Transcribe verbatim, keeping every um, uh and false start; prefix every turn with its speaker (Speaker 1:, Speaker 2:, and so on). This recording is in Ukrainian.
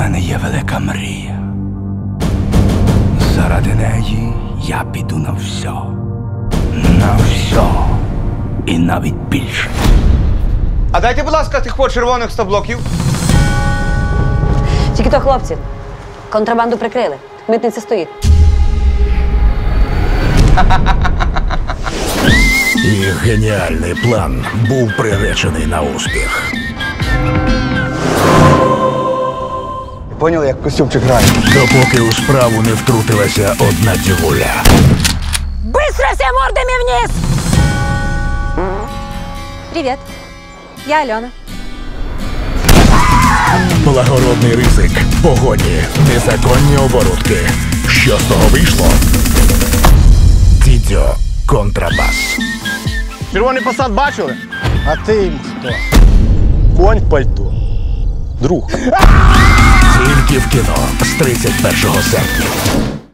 Speaker 1: мене є велика мрія. Заради неї я піду на все. На все. І навіть більше.
Speaker 2: А дайте, будь ласка, тих по червоних сто блоків.
Speaker 3: Тільки то, хлопці, контрабанду прикрили. Митниця стоїть.
Speaker 4: Їх геніальний план був приречений на успіх.
Speaker 2: Поняли, як костюмчик грає?
Speaker 4: Допоки у справу не втрутилася одна дівуля.
Speaker 3: Быстро все мордами вниз! Привет, я Альона.
Speaker 4: Благородний ризик, погоні, незаконні оборудки. Що з того вийшло? Дідьо контрабас.
Speaker 2: Червоний посад бачили?
Speaker 5: А ти їм хто? Конь в пальто. Друг.
Speaker 4: Тільки в кіно з тридцять першого серпня.